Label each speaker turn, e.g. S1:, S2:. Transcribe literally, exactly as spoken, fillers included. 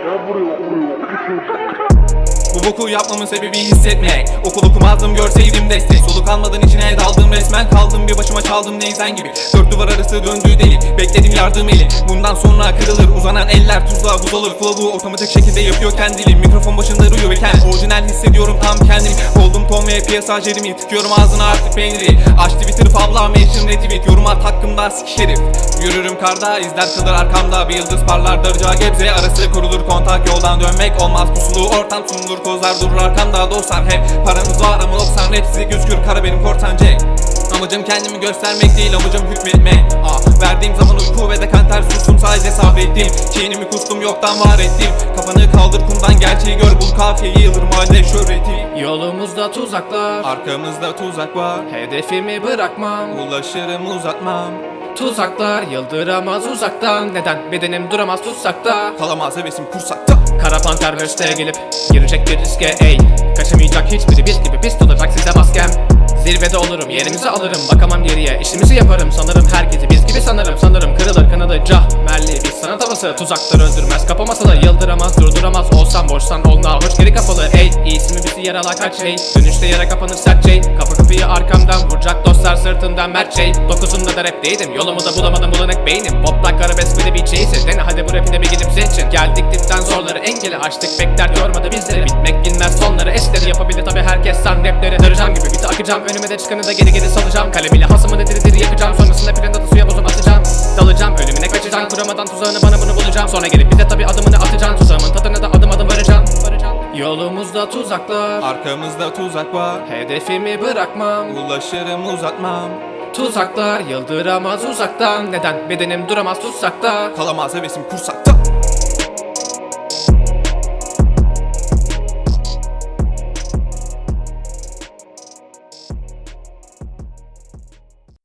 S1: Bu boku yapmamın sebebi hissetmek. Okul okumazdım görseydim destek. Soluk almadan içine daldım resmen kaldım. Bir başıma çaldım neyzen gibi. Dört duvar arası döndü delik. Bekledim yardım eli. Bundan sonra kırılır uzanan eller. Tuzla buz olur. Flow'u otomatik şekilde yapıyor kendiliğim. Mikrofon başında duruyorken orijinal hissediyorum tam kendimi. Oldum Tom ve piyasa Jeremy. Tıkıyorum ağzına artık peyniri. Aç Twitter favla mention retweet. Yorum at hakkımda sik herif. Yürürüm karda izler kalır arkamda. Bir yıldız parlar darıca gebze. Arası kurulur kontak yoldan dönmek olmaz. Pusulu ortam sunulur. Kozlar durur arkamda dostlar hep. Paramız var ama doksan rap sizi gözükür kara benim korsan Jack. Amacım kendimi göstermek değil amacım hükmetmek. ah, Verdiğim zaman uyku ve dekanter sustum sadece sabrettim. Kinimi kustum yoktan var ettim. Kafanı kaldır kumdan gerçeği gör bul kafiyeyi yıldırım halde şöhreti.
S2: Yolumuzda tuzaklar,
S1: Arkamızda tuzak var.
S2: hedefimi bırakmam.
S1: Ulaşırım uzatmam.
S2: Tuzaklar yıldıramaz uzaktan. Neden bedenim duramaz tutsakta.
S1: Kalamaz hevesim kursakta.
S2: Kara panter hösteye gelip girecek bir riske ey. Kaçamayacak hiçbiri biz gibi pist olacak size maskem. Zirvede olurum yerimizi alırım bakamam geriye işimizi yaparım sanırım herkesi biz gibi sanırım sanırım kırılır kanadı cah merli bir sanat havası tuzaklar öldürmez kapamasa da yıldıramaz durduramaz olsam boşsan olna hoş geri kapalı ey iyisi mi bizi yaralar kaç şey dönüşte yara kapanır sert şey kapı kapıyı arkamdan vuracak dostlar sırtından mert şey dokuzunda da rapteydim yolumu da bulamadım bulanık beynim boplak arabesk bir de bir şeyse dene hadi bu rapine bir gidip seçin geldik dipten zorları engeli açtık bekler yormadı bizleri bitmek bilmez sonları esleri yapabilir tabi herkes san rapleri daracağım gibi biti akacağım önüme de çıkanı da geri geri salacağım kalemiyle hasımı da diri diri yakacağım sonrasında planda da suya bozum atacağım dalacağım ölümüne kaçacağım kuramadan tuzağını bana bunu bulacağım sonra gelip bir de tabi adımını atacağım tuzağımın tadına da adım adım varacağım yolumuzda tuzaklar
S1: Arkamızda tuzak var.
S2: hedefimi bırakmam
S1: Ulaşırım uzatmam.
S2: tuzaklar yıldıramaz uzaktan neden bedenim duramaz tutsakta
S1: Kalamaz hevesim kursakta.